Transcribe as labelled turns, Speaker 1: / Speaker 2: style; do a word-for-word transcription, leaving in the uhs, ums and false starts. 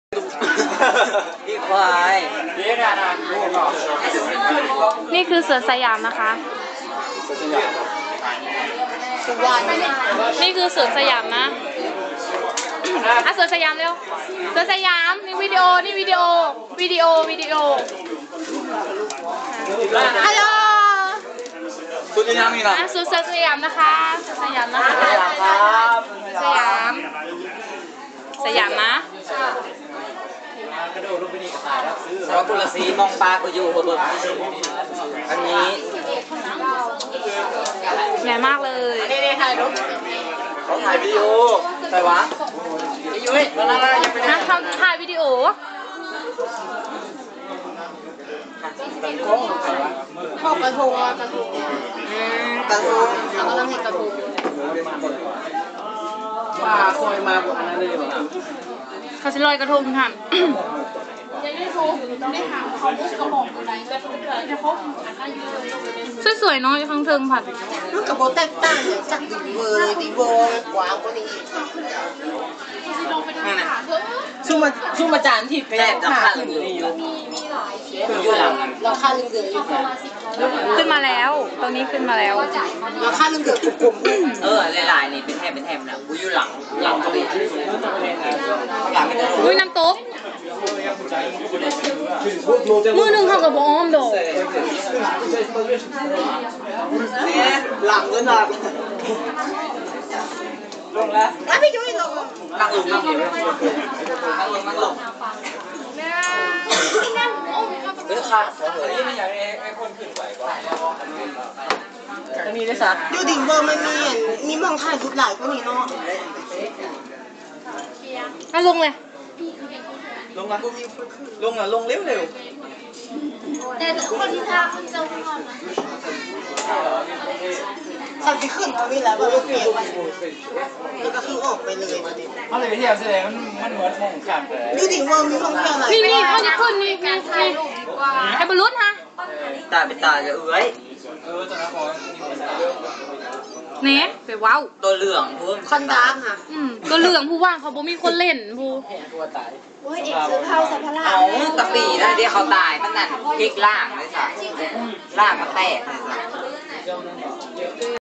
Speaker 1: พี่ควาย
Speaker 2: นี่คือเสือสยามนะคะนี่คือเสือสยามนะอ่ะเสือสยามเร็วเสือสยามนี่วิดีโอนี่วิดีโอวิดีโอวิดีโอฮัลโหล
Speaker 1: เสือสยามนี่นะ
Speaker 2: อ่ะเสือสยามนะคะเสือสยามนะคะสยามสยามนะ
Speaker 1: เราตุลสีมองปลาก็อยู่อันนี้
Speaker 2: ใหญ่มากเลย
Speaker 1: นี่นี่ถ่ายรูปเขาถ่ายวิดีโอใส่วะไอ้ยุ้ยมาแล้วยังไม่ได้
Speaker 2: ทำถ่ายวิดีโอ
Speaker 3: เข้ากระทงกระทง
Speaker 1: กระทง
Speaker 3: เรากำลังเห็นกระทง
Speaker 1: ว่าคอยมาบุกอันนั้นเลยเหรอ
Speaker 2: เขาจะลอยกระทงค่ะสวยๆเนาะข้างเทิงผัด
Speaker 3: มันกระโบแตกต่างจากดีเวอร์เลยดีเวอร์กว้างกว่านี้ชุ่มมาชุ่มมาจานที่แพงค่ะขึ้นอยู่อยู่หลังเราค่าลืมเดือดอยู่
Speaker 2: ขึ้นมาแล้วตรงนี้ขึ้นมาแล้ว
Speaker 3: เราค่าลืมเดือดถูกกลม
Speaker 1: เออลายๆนี่เป็นแทบเป็นแทบนะกูอยู่หลังหลังเขาดิ
Speaker 2: อุ้ยน้ำตกมือหนึ่งเขากับอ้อมโดด
Speaker 1: หลังเลยนะลงแล้ว
Speaker 3: อ่ะพี่ยุ้ยลง
Speaker 1: นั่งลงนั่งลงนั่งลงนั่งลงเออค่ะเฮ้ยไม่อยากให้ไอ้คนขึ้นไปก่อนจะมีได้สัก
Speaker 3: ยูดิงเวอร์มันมีมีมองถ่ายรูปหลายกว่านี้เนาะ
Speaker 2: อ่ะลงเลย
Speaker 1: ลงมาลงอ่ะลงเร็วเร็ว
Speaker 3: แต่คนที่ทำจะวิ่งก่อนนะสักที่ขึ้นเขาวิ่งแล้วก็เปลี่ยนแล้วก็คือออกไปเลย
Speaker 1: เขาเลยเที่ยวแสดงมันมันเหมือนมองขาดเลย
Speaker 3: ยูดิงเวอร์มีมองเที่ยวอะไร
Speaker 2: นี่นี่เขาจะขึ้นนี่นี่ไอ้บอลลูนฮะ
Speaker 1: ตาเป็นตาจะเอ้ยเออตอนนั้นพอ
Speaker 2: เนี่ยไปว้าว
Speaker 1: ตัวเหลืองพูด
Speaker 3: คอนดาร์กค่ะ
Speaker 2: อืมตัวเหลืองผู้ว่างเขาบ่มีคนเล่นผู้
Speaker 1: ตัวตาย
Speaker 3: โอ้ยเอกซื้อข้าวสัพพะลา
Speaker 1: เอาตะปีนั่นเดี๋ยวเขาตายมันนั่นพลิกล่างเลยค่ะล่างมันแตกเลยค่ะ